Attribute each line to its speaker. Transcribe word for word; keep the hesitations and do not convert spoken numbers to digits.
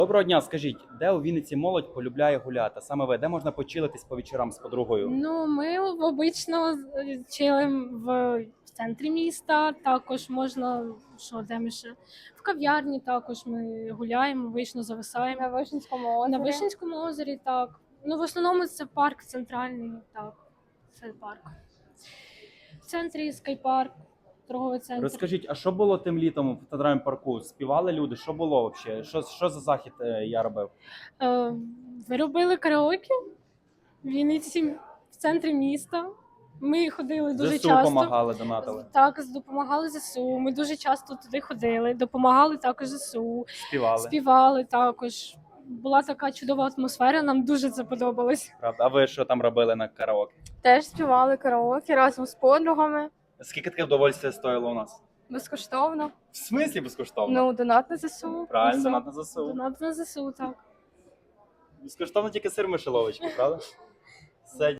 Speaker 1: Доброго дня, скажіть, де у Вінниці молодь полюбляє гуляти? Саме ви, де можна почилитись по вечорам з подругою?
Speaker 2: Ну, ми обично чилим в центрі міста, також можна, що де ми ще? В кав'ярні також ми гуляємо, вийшно зависаємо.
Speaker 3: На Вишенському озері.
Speaker 2: На Вишенському озері, так. Ну, в основному це парк центральний, так, це парк. В центрі скайпарк, торговий центр.
Speaker 1: Розкажіть, а що було тим літом в центральному парку? Співали люди? Що було взагалі? Що, що за захід е, я робив?
Speaker 2: Е, ви робили караоке в Вінниці, в центрі міста. Ми ходили дуже
Speaker 1: ЗСУ
Speaker 2: часто.
Speaker 1: допомагали, донатили,
Speaker 2: Так, допомагали ЗСУ. Ми дуже часто туди ходили, допомагали також ЗСУ,
Speaker 1: співали.
Speaker 2: співали також. Була така чудова атмосфера, нам дуже це подобалось.
Speaker 1: Правда? А ви що там робили на караоке?
Speaker 3: Теж співали караоке разом з подругами.
Speaker 1: Скільки таке вдовольствия стоїло у нас?
Speaker 3: Безкоштовно.
Speaker 1: В смислі безкоштовно?
Speaker 3: Ну, донат на ЗСУ.
Speaker 1: Правильно, донат на ЗСУ.
Speaker 2: Донат на ЗСУ, так.
Speaker 1: Безкоштовно тільки сир мишеловочки, правда? Все,